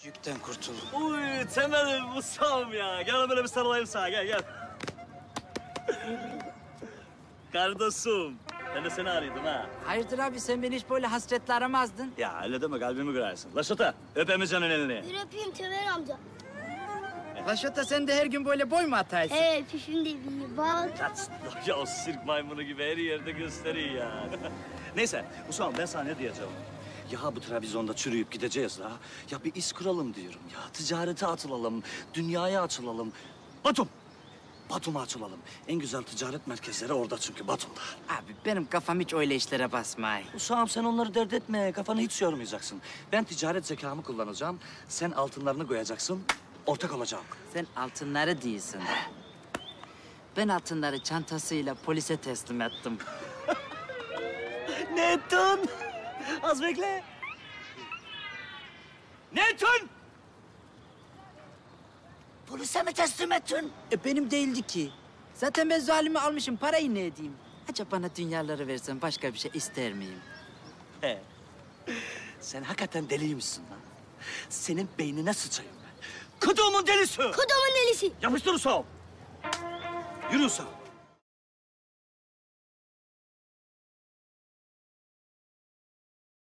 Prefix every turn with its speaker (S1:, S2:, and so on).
S1: Yükten kurtul.
S2: Uy temelim ustam ya. Gel böyle bir sarılayım sana gel gel. Kardeşim. Ben de seni arıyordum ha.
S3: Hayırdır abi sen beni hiç böyle hasretle aramazdın.
S2: Ya öyle deme kalbimi kırarsın. Laşota öp Emircan'ın elini.
S4: Bir öpeyim Temer amca.
S3: Laşota sen de her gün böyle boy mu ataysın?
S4: Pişim de bir bak.
S2: Ya o sirk maymunu gibi her yerde gösteriyor ya. Neyse Usam ben sana ne diyeceğim? Ya bu televizyonda çürüyüp gideceğiz la. Ya bir iş kuralım diyorum ya. Ticarete atılalım, dünyaya açılalım. Batum. Batum'a açılalım. En güzel ticaret merkezleri orada çünkü Batum'da.
S3: Abi benim kafam hiç öyle işlere basmay.
S2: Usam sen onları dert etme. Kafanı hiç yormayacaksın. Ben ticaret zekamı kullanacağım. Sen altınlarını koyacaksın. Ortak olacağım.
S3: Sen altınları değilsin. Ben altınları çantasıyla polise teslim ettim.
S2: Ne ettin? Az bekle. Ne ettin? Polise mi teslim ettin?
S3: Benim değildi ki. Zaten ben zalimi almışım, parayı ne edeyim? Acaba bana dünyaları versen başka bir şey ister miyim?
S2: He. Sen hakikaten deliymişsin lan. Senin beynine sıçayım ben. Kuduğumun delisi.
S4: Kodumun delisi.
S2: Yapıştır Usam. Yürü Usam.